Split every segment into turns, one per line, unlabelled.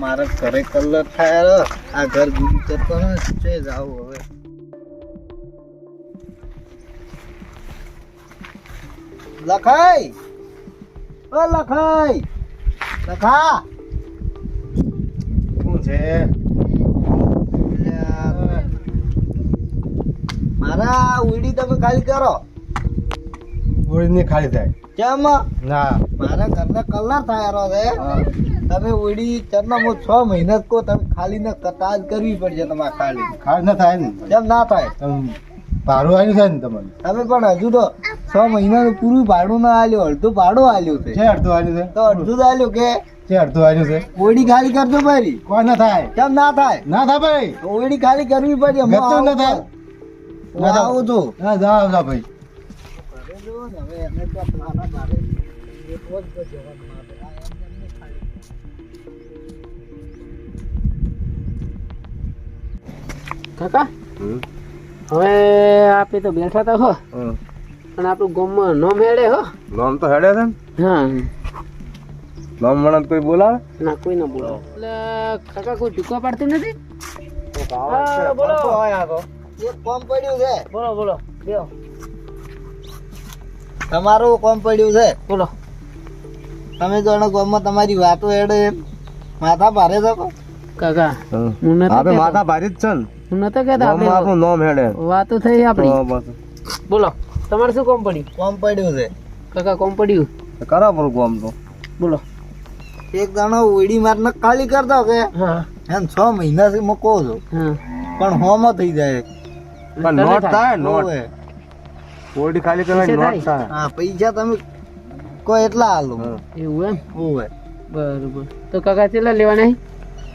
મારા ઘરે કલર થાય આ ઘર બીજું કરતો ને છે જાવ હવે લખાઈ ઓ લખાઈ લખા શું છે મારા ઉડી તમે ખાલી કરો
ઓળીને ખાલી થાય
કેમ
ના
મારા ઘરના કલર થાય છે તમે ઉડી ચરના 6 મહિના કો તમે ખાલી ને કટાજ કરવી પડશે તમારે ખાલી
ખાલી ના થાય ને
કેમ ના થાય
ભાડું આવ્યું છે ને તમને
તમે પણ હજુ તો 6 મહિનાનું પૂરું ભાડું ના આલ્યું અડધું ભાડું આલ્યું છે
છે અડધું આવ્યું છે
તો અડધું જ આલ્યું કે
છે અડધું આવ્યું છે
ઓડી ખાલી કરજો ભાઈ
કોઈ ના થાય
કેમ ના થાય
ના થાય ભાઈ
ઓડી ખાલી કરવી પડશે હું
ગતું ના થાય
હું આવું છું
ના જાઓ જાઓ ભાઈ
હવે એને તો મારા મારે એક વખત જવાનું મારે આ એમને ખાલી
કાકા હવે આપે તો બેઠા તા હો પણ આપણું ગામમાં નોમ હેડે હો
નામ તો હેડે છે ને
હા
નામ મળે કોઈ બોલાવે
ના કોઈ ના બોલો એટલે કાકા કોઈ ટૂંકો પાડતું નથી
બોલો એક કોમ પડ્યું છે
બોલો બોલો બેહો
તમારું કોમ પડ્યું છે
બોલો
તમે જોણો ગામમાં તમારી વાતો હેડે એમ માથા ભારે શકો
કાકા હું નતો
આપણે
કહેતો.
માથા ભારી જ છે ને
હું નતો કહેતો
નામ
આપણે
આપણું નામ હેડે
વાતો થઈ આપણી
બસ
બોલો તમારે શું કોમ પડ્યું
કોમ પડ્યું છે
કાકા કોમ પડ્યું
કરા પર કોમ તો
બોલો
એક દાણો ઉડી મારને ખાલી કરતો કે
હા
એમ 6 મહિનાથી મૂકો છો
હા
પણ હોમાં થઈ જાય
પણ નોટ થાય નોટ
હોવે.
ઓડી ખાલી કરવાની
પૈસા
નોટ થાય
હા પૈસા તમે કોઈ એટલા હાલો
એવું એમ
હોવે
બરોબર તો કાકા કેટલા લેવાના છે?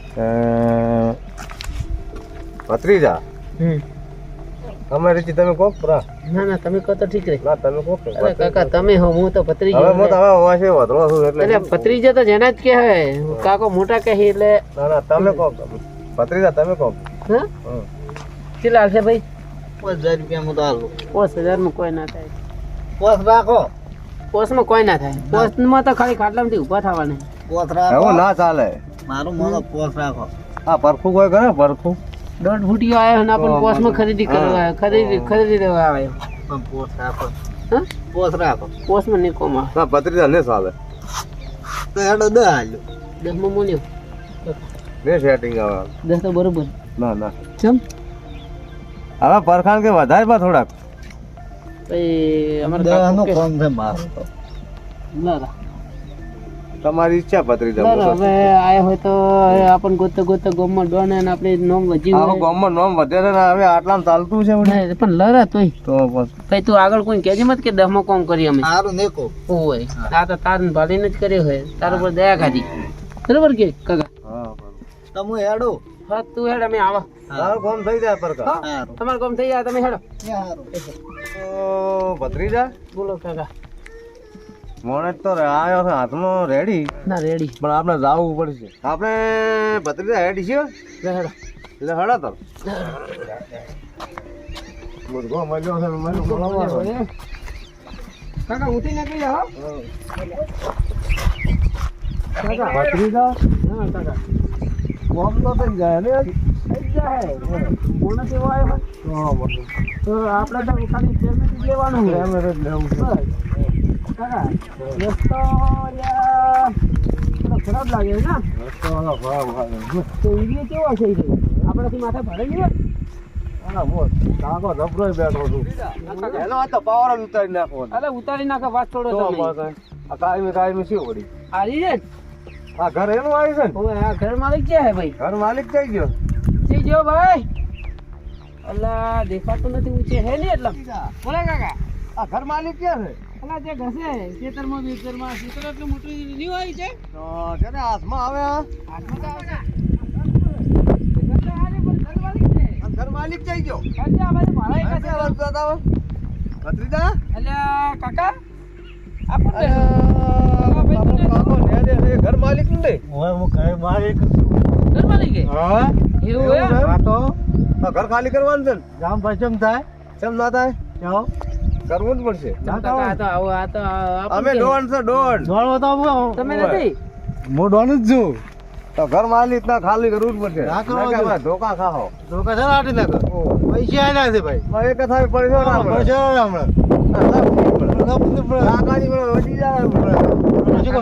ભત્રીજા તમે રીતિ તમે કોક પરા
ના ના તમે કહો તો ઠીક રહે
ના તમે કોક
અરે કાકા તમે હો હું તો ભત્રીજો
હવે હું તો હવે વાંચે વધરો છું એટલે
એટલે ભત્રીજો તો જેના જ કહેવાય કાકો મોટા કહે એટલે
ના ના તમે કોક ભત્રીજા તમે કોક
હા કેટલા હાલશે ભાઈ
5000 રૂપિયા હું તો હાલો
5000 માં કોઈ ના થાય
પોસ રાખો
પોસમાં કોઈ ના થાય પોસમાં તો ખાલી ખાટલામાંથી ઊભા થવાના
પોસ રાખો
એવું ના ચાલે
મારું મોનો પોસ રાખો
આ પરખું કોઈ કરે પરખું
દોઢ ફૂટીયો આવ્યો ને આપણને પોસમાં ખરીદી કરવા ખરીદી દેવા આવ્યો
પણ પોસ રાખો
હા
પોસ રાખો
પોસમાં નહીં કોમ આવે
ના ભત્રીજા ને ચાલે
તો હેડો દ હાલ્યો
10 માં મૂલ્યો
ને સેટિંગ આવે
10 તો બરોબર
ના ના
ચમ
હવે પરખાણ કે વધારે પા થોડાક
ભાઈ અમારે
દહનો
કાકો
કોમ છે મારો તો
ના
તમારી ઈચ્છા ભત્રીજા
હવે આયા હોય તો આપણને ગોતે ગોતે ગામમાં ડોન અને આપણે નોમ વજી
આખો ગામમાં નામ વધે છે ને હવે આટલામાં ચાલતું છે વળી.
હોય પણ લરા તોય
તો બસ
ભાઈ તું આગળ કોઈ કહેજે મત કે 10 માં કોમ કરી અમે
સારું નેકો
હોય આ તો તાર ભાલીને જ કર્યો હોય તાર ઉપર દયા ખાધી બરોબર કે કાકા
હા
તમે હેડો
હા તું હેડ અમે આવા
તારું કામ થઈ જાય પરખા
સારું
તમારું કામ થઈ જાય તમે હેડો
સારું
તો ભત્રીજા
બોલો કાકા
મોણે તો આવ્યો છે હાથમાં રેડી
ના રેડી
પણ આપણે જાવું પડશે આપણે ભત્રીજા રેડી છે
હેડો
એટલે હડા તો મુર્ગો મળ્યો છે મને બોલાવો
કાકા ઉઠી નાખી જાઓ કાકા
ભત્રીજા
હા કાકા
કોમ તો થઈ જાય ને
થઈ જાય કોણ કેવો આવ્યો તો આપણે તો ખાલી પેમેન્ટ જ લેવાનું છે બસ. કાકા રસ્તો યાર થોડો ખરાબ લાગે છે ને તો ઈડીએ કેવો છે ઈડીએ આપણાથી માથે ભરાઈ ગયો
કાકો જબરોય બેઠો છું એનો આ તો પાવર ઉતારી નાખો
અરે ઉતારી નાખો વાત છોડો તમે
આ કાયમી શું વળી
હારી છે
આ ઘર એનું આવ્યું છે ને
હવે આ ઘર માલિક ક્યાં હે ભાઈ
ઘર માલિક થઈ ગયો
જી જો ભાઈ અલ્લા દેખાતું નથી ઊંચે હે ને એટલે બોલા કાકા
આ ઘર માલિક ક્યાં છે
અલા જે ઘસે ખેતરમાં ખેતરમાં એટલું મોટું નહીં હોય છે
તો તેને હાથમાં આવે આ
હાથમાં તો આવશે.
ઘર માલિક થઈ ગયો
કાકા, આ બાજુ મારા એક હશે.
ભત્રીજા
અલ્યા કાકા આપણને
ઘર માલિક ને
હવે હું ઘરે માલિક
ઘર માલિક હે?
હા
એવું હે?
આ તો
ઘર ખાલી કરવાનું છે ને
જામ પચમ થાય
કેમ ના થાય
જાઓ
કરવું જ પડશે
કાકા, આ તો આવો, આ તો
અમે
આપણને
ડોન છે ડોન
દોડવો તો હું
તમે નથી
હું ડોન જ છું
તો ઘર માલિક ના ખાલી કરવું જ પડશે
ના કરવા
ના કે
જોઈએ.
ભાઈ ધોકા ખાઓ
ધોકા છે ને આટી નાખો પૈસા આલ્યા છે ભાઈ
ભાઈ એક થાય પૈસો ના મળે.
પૈસા આલ્યા હમણાં લપસી પડે.
કાકાજી મને વધી જાય
શું કરો?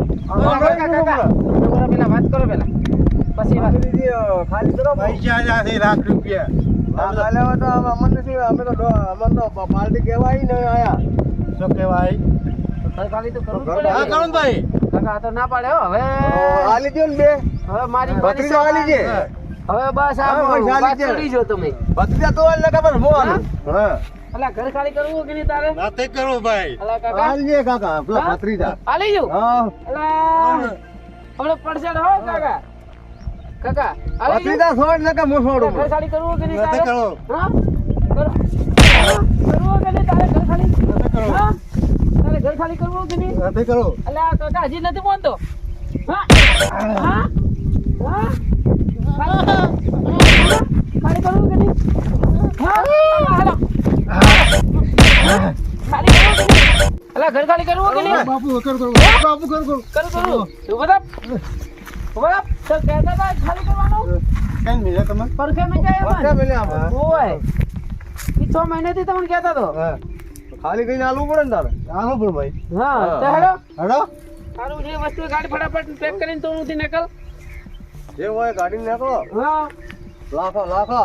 પેલા વાત કરો પેલા પછી વાત
ખાલી કરો
પૈસા આલ્યા છે લાખ રૂપિયા
કાલે હવે તો અમને શું અમે તો અમને તો પાર્ટી કહેવાય ને આયા
શું કહેવાય
ખાલી તો કરવું જ
હા,
પડે
હા કરું ભાઈ
કાકા આ તો ના પાડે હો હવે
આલી દો ને બે
હવે મારી
ભત્રીજો આલી છે
હવે બસ આ
હા, બસ આલી
વાત
છે.
કરી જો તમે
ભત્રીજા તો આલી ખબર હું આલું હા
અલા ઘર ખાલી કરવું કે નહીં તારે
ના તે કરો ભાઈ
અલા કાકા
આલી છે કાકા પેલા
હા?
ભત્રીજા
આલી જો
હા
અલા હમણાં પડશે હો કાકા કાકા આલી જો
ભત્રીજા છોડ ને કે હું છોડું
ઘર ખાલી કરવું કે નહીં
ના તે
તારે
કરો
હા કરવું કે નહીં તારે ઘર ખાલી હા તારે ઘર ખાલી કરવું કે નહીં
ના તે કરો
અલા કાકા હજી નથી બોલતો હા હા હા ખાલી કરવું કે નહીં હા હાલો ખાલી કરવું કે નહીં અલા ઘર ખાલી કરવું કે નહીં
બાપુ કર કરો બાપુ કર કરો
કરું ઉભા તો કહેતા હતા ખાલી કરવાનું
કેમ મિલે તમે
પરખે મેં જાય
ભત્રીજા
એમાં
મેલે આમ
ઓય ઈ 6 મહિનાથી તમને કહેતા તો
હા ખાલી કઈને આલવું પડે ને તારે
આવો પણ ભાઈ
હા તો હેડો
હેડો
તારું જે વસ્તુ હોય ગાડી ફટાફટ પેક કરીને તો ઉથી નીકળ
જે હોય ગાડી નાખો
હા
લાખો લાખો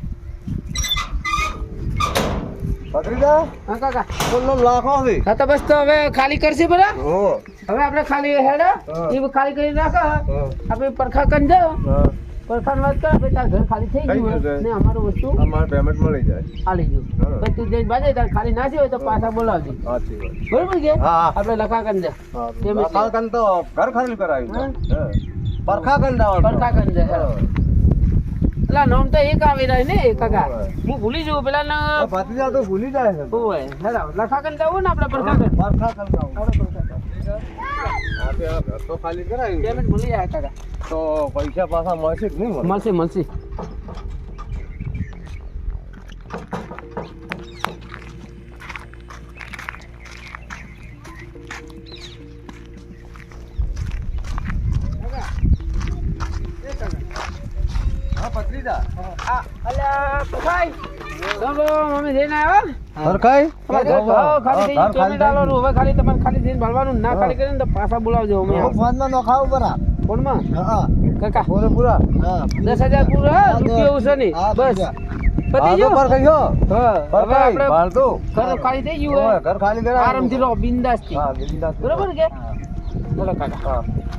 ભત્રીજા
હા કાકા
બોલો લાખો છે
હા તો બસ તો હવે ખાલી કરશે બરા
હો
હવે આપણે ખાલી હેડો
હા.
એ ખાલી કરી નાખો
હા
આપણે પરખા કરી જાઓ
હા
પરખાની વાત કરો ભાઈ તાર ઘર ખાલી થઈ
થઈ
ગયું
ગયું છે.
હોય ને અમારું વસ્તુ
અમારે પેમેન્ટ મળી જાય
આલી જો
હા.
પછી તું જઈને બાજે તાર ખાલી નાસી હોય તો પાછા બોલાવજો
સાચી વાત
બરોબર કે
હા.
આપણે લખા કરી દે
હા
પેમેન્ટ
લાખા કન તો ઘર ખાલી કરાવ્યું
હા.
હા પરખા કન દાવ
પરખા કરી દે હેડો પેલા નામ તો એક આવી રહ્યા ને કાકા
હોય.
હું ભૂલી જઉં પેલા ના
ભત્રીજા તો ભૂલી જાય છે
હોય હેડો લખા કરી દેવું ને આપણે પરખા કરી
પરખા કન દાવ
હેડો પરખા કરી.
આપે આ ઘર તો ખાલી કરાવ્યું છે.
પેમેન્ટ ભૂલી જાય કાકા
તો પૈસા પાછા મળશે કે નહીં મળે
મળશે મળશે
હા ભત્રીજા
આ અલ્યા પખાઈ ચાલો મમ્મી જઈને આવ્યા
સરખાઈ
ખાલી પેમેન્ટ આલવાનું હવે ખાલી તમારે ખાલી જઈને ભરવાનું ના ખાલી કરીને તો પાછા બોલાવજો અમે
ફોનમાં નો ખાવ બરા
ફોનમાં
હા
કાકા
પૂરે પૂરા
હા
10,000 પૂરા રૂપિયો ઓછો નહીં
હા,
બસ
પૂરા.
પતી
આ તો
ગયું
પરખાઈ હો
હા હવે
પરખાઈ
આપણે
ભાળતો
ઘર ખાલી થઈ ગયું
ઓય,
હોય
ઘર ખાલી કરાવ્યું
આરામથી રહો બિંદાસથી
હા બિંદાસ
બરોબર કે બોલો કાકા
હા